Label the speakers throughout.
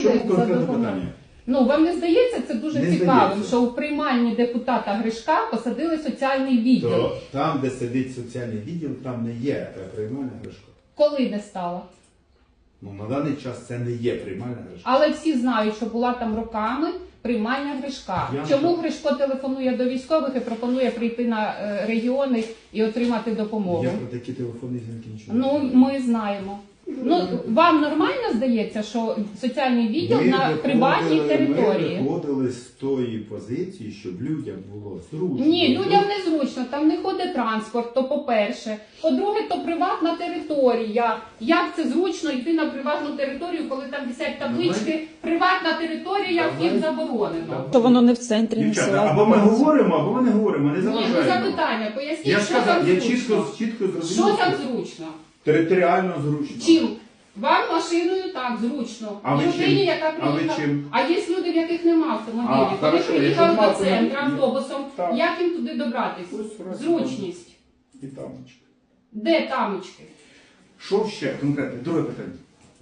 Speaker 1: Чому конкретне питання?
Speaker 2: Ну, вам не здається це дуже
Speaker 1: Не
Speaker 2: цікавим,
Speaker 1: здається.
Speaker 2: що у приймальні депутата Гришка посадили соціальний відділ?
Speaker 1: То там, де сидить соціальний відділ, там не є приймальна Гришко.
Speaker 2: Коли не стало?
Speaker 1: Ну, на даний час це не є приймальна Гришко.
Speaker 2: Але всі знають, що була там роками приймальня Гришка. Чому Гришко телефонує до військових і пропонує прийти на регіони і отримати допомогу?
Speaker 1: Я про такі телефонні дзвінки нічого
Speaker 2: Ну,
Speaker 1: не знаю.
Speaker 2: ми знаємо. Ну, вам нормально здається, що соціальний відділ на приватній території?
Speaker 1: Ми виходили з тої позиції, щоб людям було зручно.
Speaker 2: Ні, людям не зручно, там не ходить транспорт, то по-перше. По-друге, то приватна територія. Як це зручно йти на приватну територію, коли там висять таблички «Приватна територія, вхід заборонено».
Speaker 3: То воно не в центрі, не
Speaker 1: Дівчата,
Speaker 3: села.
Speaker 1: або ми говоримо, або ми не говоримо, не
Speaker 2: Ні, ну
Speaker 1: заважаємо.
Speaker 2: запитання, поясніть,
Speaker 1: Я
Speaker 2: що там
Speaker 1: сказав, я
Speaker 2: зручно.
Speaker 1: чітко
Speaker 2: Що
Speaker 1: зрозумів.
Speaker 2: там зручно?
Speaker 1: Територіально зручно.
Speaker 2: Чим? Вам машиною так, зручно.
Speaker 1: А ви
Speaker 2: Людині,
Speaker 1: чим?
Speaker 2: яка
Speaker 1: А ви
Speaker 2: приїхала.
Speaker 1: чим?
Speaker 2: А є люди, в яких немає автомобілів.
Speaker 1: А,
Speaker 2: Вони
Speaker 1: хорошо,
Speaker 2: приїхали
Speaker 1: якщо
Speaker 2: до
Speaker 1: нема
Speaker 2: центру
Speaker 1: автомобілів,
Speaker 2: автобусом.
Speaker 1: так.
Speaker 2: Як їм туди добратися?
Speaker 1: Ось раз
Speaker 2: Зручність.
Speaker 1: І тамочки.
Speaker 2: Де тамочки?
Speaker 1: Що ще конкретне? Друге питання.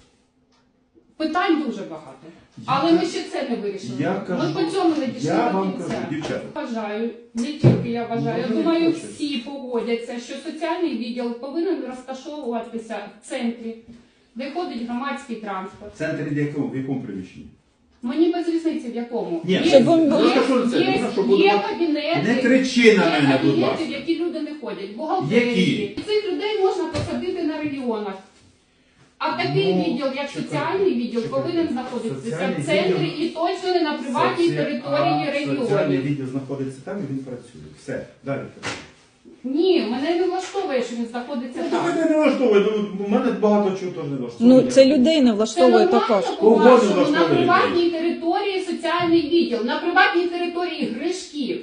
Speaker 2: Питань дуже багато. Але ми ще це не вирішили.
Speaker 1: Я
Speaker 2: Ми
Speaker 1: кажу,
Speaker 2: по цьому не дійшли
Speaker 1: я
Speaker 2: до
Speaker 1: вам
Speaker 2: кінця.
Speaker 1: кажу, дівчата.
Speaker 2: Вважаю, не тільки я вважаю, я
Speaker 1: Може,
Speaker 2: думаю,
Speaker 1: не хочуть.
Speaker 2: всі погодяться, що соціальний відділ повинен розташовуватися в центрі, де ходить громадський транспорт.
Speaker 1: В центрі в якому приміщенні?
Speaker 2: Мені без різниці в якому.
Speaker 1: Ні,
Speaker 3: Щоб він
Speaker 2: є,
Speaker 3: був-
Speaker 1: розташовується,
Speaker 2: є,
Speaker 1: розташовується.
Speaker 2: є кабінети,
Speaker 1: Не кричи на
Speaker 2: є
Speaker 1: мене, будь
Speaker 2: кабінети,
Speaker 1: ласка.
Speaker 2: в які люди не ходять, бухгалтерії.
Speaker 1: Які?
Speaker 2: Цих людей можна посадити на регіонах. А такий
Speaker 1: Ну,
Speaker 2: відділ, як
Speaker 1: чекайте,
Speaker 2: соціальний відділ,
Speaker 1: чекайте.
Speaker 2: повинен знаходитися
Speaker 1: Соціальний
Speaker 2: в центрі
Speaker 1: відділ-
Speaker 2: і точно не на приватній території
Speaker 1: Соціальний
Speaker 2: регіонів.
Speaker 1: відділ знаходиться там і він працює. Все, далі.
Speaker 2: Ні, мене не влаштовує, що він знаходиться
Speaker 1: Ну,
Speaker 2: там.
Speaker 1: мене не влаштовує, ну, у мене багато чого теж не влаштовує.
Speaker 3: Ну, це людей не
Speaker 2: Це
Speaker 3: влаштовує
Speaker 2: нормально,
Speaker 3: також.
Speaker 1: Кого не
Speaker 2: по-вашому, на
Speaker 1: влаштовує
Speaker 2: приватній території соціальний відділ, на приватній території Гришків.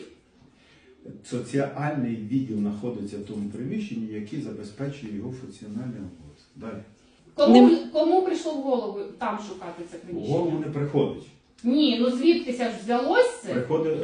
Speaker 1: Соціальний відділ знаходиться в тому приміщенні, який забезпечує його функціональний обов'язок. Далі.
Speaker 2: Кому прийшло в голову там шукати це
Speaker 1: В
Speaker 2: приміщення?
Speaker 1: голову не приходить.
Speaker 2: Ні, ну звідкися ж взялось це?
Speaker 1: Приходить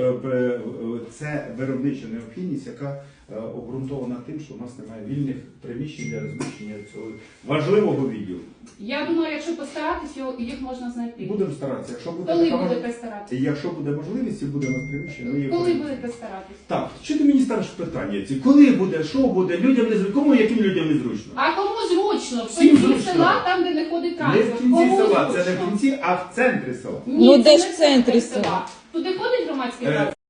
Speaker 1: це виробнича необхідність, яка обґрунтована тим, що у нас немає вільних приміщень для розміщення цього важливого відділу.
Speaker 2: Я думаю, якщо постаратись, їх можна знайти.
Speaker 1: Будемо старатися. Якщо буде
Speaker 2: Коли
Speaker 1: така
Speaker 2: будете старатись?
Speaker 1: якщо буде можливість і буде на приміщення, ну,
Speaker 2: Коли будете старатись?
Speaker 1: Так, що ти мені ставиш питання ці? Коли буде, що буде, людям не зручно, кому, яким людям не зручно?
Speaker 2: А кому зручно? В
Speaker 1: Всім
Speaker 2: кінці
Speaker 1: зручно.
Speaker 2: села, там, де не ходить
Speaker 1: Не
Speaker 2: транспорт.
Speaker 1: в кінці
Speaker 2: Кому
Speaker 1: села, це не
Speaker 2: зручно?
Speaker 1: в кінці, а в центрі села.
Speaker 2: Ні,
Speaker 3: Ну,
Speaker 2: це
Speaker 3: де
Speaker 2: не
Speaker 3: ж в центрі
Speaker 2: села? Туди ходить громадський
Speaker 1: Е,
Speaker 2: транспорт?